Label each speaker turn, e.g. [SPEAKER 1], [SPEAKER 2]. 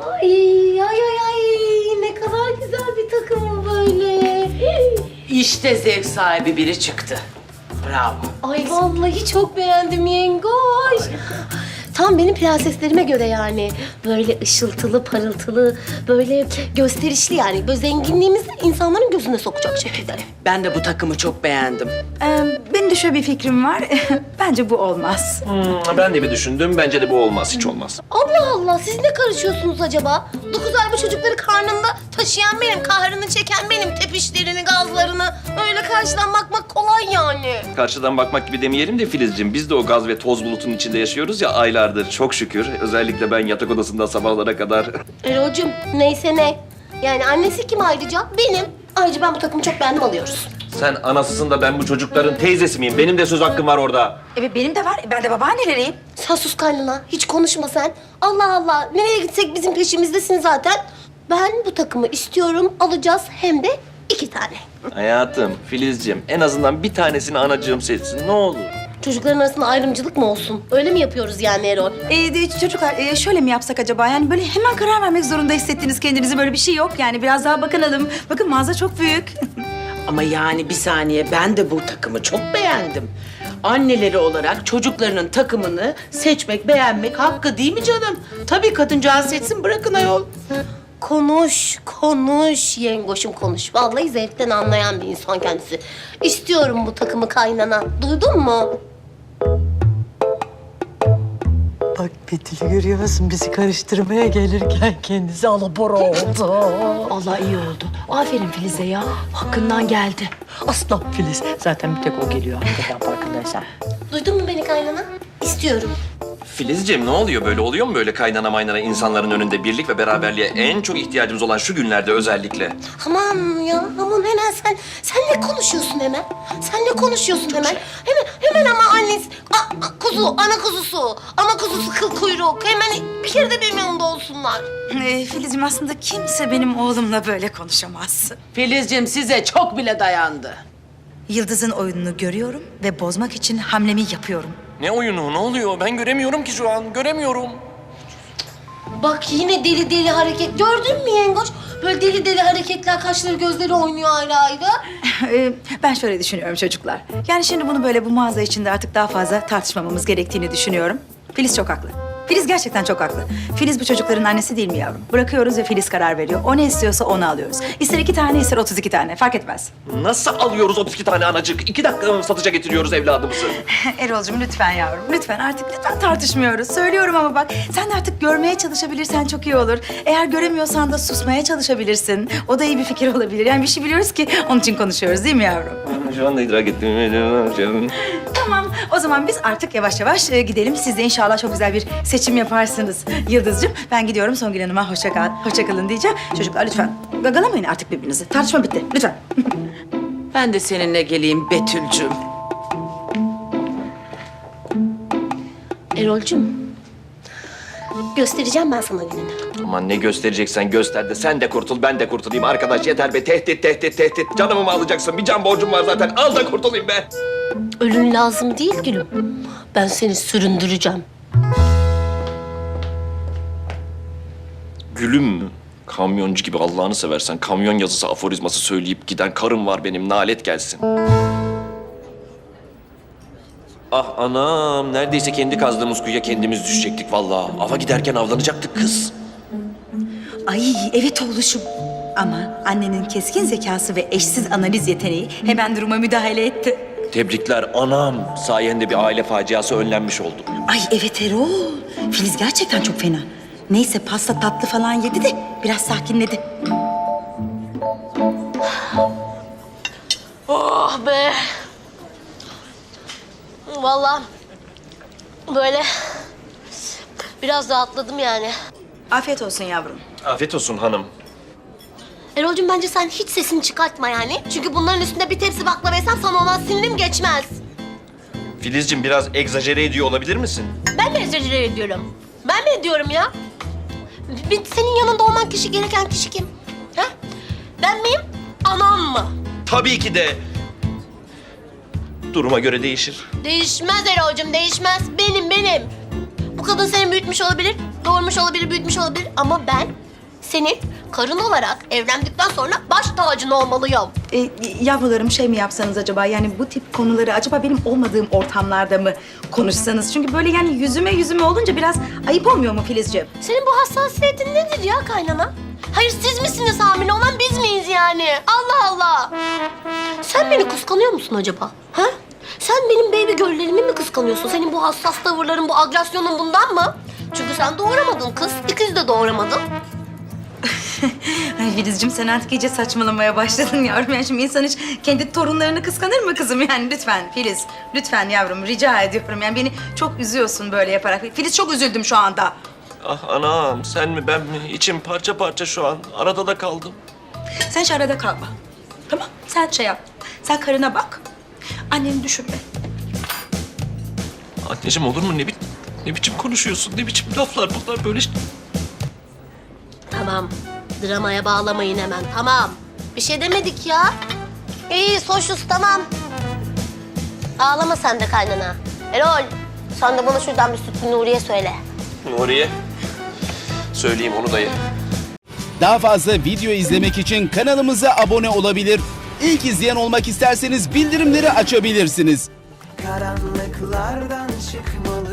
[SPEAKER 1] Ay ay ay ay ne kadar güzel bir takım böyle.
[SPEAKER 2] İşte zevk sahibi biri çıktı. Bravo.
[SPEAKER 1] Ay vallahi çok beğendim yengoş. Tam benim prenseslerime göre yani. Böyle ışıltılı, parıltılı, böyle gösterişli yani. Böyle zenginliğimizi insanların gözüne sokacak şekilde.
[SPEAKER 2] Ben de bu takımı çok beğendim.
[SPEAKER 3] Benim de şöyle bir fikrim var. Bence bu olmaz.
[SPEAKER 4] Ben de bir düşündüm. Bence de bu olmaz. Hiç olmaz.
[SPEAKER 1] Allah Allah siz ne karışıyorsunuz acaba? 9 ay bu çocukları karnında taşıyan benim, kahrını çeken benim, tepişlerini, gazlarını. Öyle karşıdan bakmak kolay yani.
[SPEAKER 4] Karşıdan bakmak gibi demeyelim de Filizciğim. Biz de o gaz ve toz bulutunun içinde yaşıyoruz ya aylardır. Çok şükür. Özellikle ben yatak odasında sabahlara kadar.
[SPEAKER 1] Erol'cum neyse ne. Yani annesi kim ayrıca? Benim. Ayrıca ben bu takımı çok beğendim alıyoruz.
[SPEAKER 4] Sen anasısın da ben bu çocukların teyzesi miyim? Benim de söz hakkım var orada.
[SPEAKER 3] Evet benim de var. Ben de babaanneleriyim.
[SPEAKER 1] Sen sus kaynana. Hiç konuşma sen. Allah Allah. Nereye gitsek bizim peşimizdesin zaten. Ben bu takımı istiyorum. Alacağız hem de 2 tane.
[SPEAKER 4] Hayatım, Filizciğim en azından bir tanesini anacığım seçsin. Ne olur.
[SPEAKER 1] Çocukların arasında ayrımcılık mı olsun? Öyle mi yapıyoruz yani Erol?
[SPEAKER 3] Çocuklar şöyle mi yapsak acaba? Yani böyle hemen karar vermek zorunda hissettiniz kendinizi. Böyle bir şey yok yani. Biraz daha bakınalım. Bakın mağaza çok büyük.
[SPEAKER 2] Ama yani bir saniye ben de bu takımı çok beğendim. Anneleri olarak çocuklarının takımını seçmek, beğenmek hakkı değil mi canım? Tabii kadıncağız seçsin bırakın ayol.
[SPEAKER 1] Konuş, konuş yengoşum konuş. Vallahi zevkten anlayan bir insan kendisi. İstiyorum bu takımı kaynana. Duydun mu?
[SPEAKER 5] Bak Betül'ü görüyor musun? Bizi karıştırmaya gelirken kendisi alabora oldu.
[SPEAKER 6] Allah iyi oldu. Aferin Filiz'e ya. Hakkından geldi.
[SPEAKER 5] Aslan Filiz. Zaten bir tek o geliyor hakikaten farkındaysan.
[SPEAKER 1] Duydun mu beni kaynana? İstiyorum.
[SPEAKER 4] Filizciğim ne oluyor böyle? Oluyor mu böyle kaynana maynana insanların önünde birlik ve beraberliğe en çok ihtiyacımız olan şu günlerde özellikle?
[SPEAKER 1] Aman ya, aman hemen sen ne konuşuyorsun hemen? Sen ne konuşuyorsun hemen? Hemen ama annesi, ana kuzusu kıl kuyruk. Hemen bir kere de benim yanımda olsunlar.
[SPEAKER 3] Filiz'im aslında kimse benim oğlumla böyle konuşamaz.
[SPEAKER 2] Filizciğim size çok bile dayandı.
[SPEAKER 3] Yıldız'ın oyununu görüyorum ve bozmak için hamlemi yapıyorum.
[SPEAKER 4] Ne oyunu? Ne oluyor? Ben göremiyorum ki şu an. Göremiyorum.
[SPEAKER 1] Bak yine deli deli hareket. Gördün mü yengoç? Böyle deli deli hareketler, kaşları gözleri oynuyor ayrı ayrı.
[SPEAKER 3] Ben şöyle düşünüyorum çocuklar. Yani şimdi bunu böyle bu mağaza içinde artık daha fazla tartışmamamız gerektiğini düşünüyorum. Filiz çok haklı. Filiz gerçekten çok haklı. Filiz bu çocukların annesi değil mi yavrum? Bırakıyoruz ve Filiz karar veriyor. O ne istiyorsa onu alıyoruz. İster 2 tane, ister 32 tane. Fark etmez.
[SPEAKER 4] Nasıl alıyoruz 32 tane anacık? 2 dakika mı satışa getiriyoruz evladımızı?
[SPEAKER 3] Erol'cum lütfen yavrum. Lütfen artık lütfen tartışmıyoruz. Söylüyorum ama bak sen de artık görmeye çalışabilirsen çok iyi olur. Eğer göremiyorsan da susmaya çalışabilirsin. O da iyi bir fikir olabilir. Yani bir şey biliyoruz ki onun için konuşuyoruz değil mi yavrum?
[SPEAKER 4] Şu anda idrak ettim.
[SPEAKER 3] Tamam. O zaman biz artık yavaş yavaş gidelim. Siz de inşallah çok güzel bir seçim yaparsınız Yıldız'cığım. Ben gidiyorum Songül Hanım'a hoşça kalın diyeceğim. Çocuklar lütfen gagalamayın artık birbirinizi. Tartışma bitti. Lütfen.
[SPEAKER 2] Ben de seninle geleyim Betül'cüm.
[SPEAKER 1] Erol'cum, göstereceğim ben sana gününü.
[SPEAKER 4] Aman ne göstereceksen göster de sen de kurtul ben de kurtulayım. Arkadaş yeter be tehdit. Canımı mı alacaksın? Bir can borcum var zaten. Al da kurtulayım be.
[SPEAKER 1] Ölün lazım değil gülüm. Ben seni süründüreceğim.
[SPEAKER 4] Gülüm mü? Kamyoncu gibi Allah'ını seversen kamyon yazısı aforizması söyleyip giden karım var benim. Nalet gelsin. Ah anam. Neredeyse kendi kazdığımız kuyuya kendimiz düşecektik vallahi. Ava giderken avlanacaktık kız.
[SPEAKER 3] Ay evet oğluşum. Ama annenin keskin zekası ve eşsiz analiz yeteneği hemen duruma müdahale etti.
[SPEAKER 4] Tebrikler anam. Sayende bir aile faciası önlenmiş oldu.
[SPEAKER 3] Ay evet Erol. Filiz gerçekten çok fena. Neyse pasta tatlı falan yedi de biraz sakinledi.
[SPEAKER 1] Oh be. Vallahi böyle biraz rahatladım yani.
[SPEAKER 3] Afiyet olsun yavrum.
[SPEAKER 4] Afiyet olsun hanım.
[SPEAKER 1] Erol'cum bence sen hiç sesini çıkartma yani. Çünkü bunların üstünde bir tepsi baklava yesem sana olan sinirim geçmez.
[SPEAKER 4] Filizciğim biraz egzajere ediyor olabilir misin?
[SPEAKER 1] Ben mi egzajere ediyorum? Ben mi ediyorum ya? Senin yanında olman gereken kişi kim? Ha? Ben miyim? Anam mı?
[SPEAKER 4] Tabii ki de. Duruma göre değişir.
[SPEAKER 1] Değişmez Erol'cum değişmez. Benim. Bu kadın seni büyütmüş olabilir doğurmuş olabilir, büyütmüş olabilir ama ben senin karın olarak evlendikten sonra baş tacın olmalıyım.
[SPEAKER 3] Yavrularım şey mi yapsanız acaba? Yani bu tip konuları acaba benim olmadığım ortamlarda mı konuşsanız? Çünkü böyle yani yüzüme olunca biraz ayıp olmuyor mu Filizciğim?
[SPEAKER 1] Senin bu hassasiyetin nedir ya kaynana? Hayır siz misiniz hamile olan biz miyiz yani? Allah Allah! Sen beni kıskanıyor musun acaba? Ha? Sen benim baby girl'lerimi mi kıskanıyorsun? Senin bu hassas tavırların, bu agresyonun bundan mı? Çünkü sen doğuramadın kız, ikiz de doğuramadın.
[SPEAKER 3] Ay Filizciğim sen artık iyice saçmalamaya başladın yavrum. Yani şimdi insan hiç kendi torunlarını kıskanır mı kızım? Yani lütfen Filiz, lütfen yavrum rica ediyorum. Yani beni çok üzüyorsun böyle yaparak. Filiz çok üzüldüm şu anda.
[SPEAKER 4] Ah anam, sen mi ben mi? İçim parça parça şu an. Arada da kaldım.
[SPEAKER 3] Sen şu arada kalma. Tamam sen şey yap. Sen karına bak. Anneni düşünme.
[SPEAKER 4] Anneciğim olur mu? Ne biçim konuşuyorsun? Ne biçim laflar bunlar böyle?
[SPEAKER 1] Tamam, dramaya bağlamayın hemen, tamam. Bir şey demedik ya. İyi, hoşuz, tamam. Ağlama sen de kaynana. Erol, sen de bana şuradan bir Sütlü Nuriye söyle.
[SPEAKER 4] Nuriye. Söyleyeyim onu da ye.
[SPEAKER 7] Daha fazla video izlemek için kanalımıza abone olabilir. İlk izleyen olmak isterseniz bildirimleri açabilirsiniz.
[SPEAKER 8] Karanlıklardan çıkmalı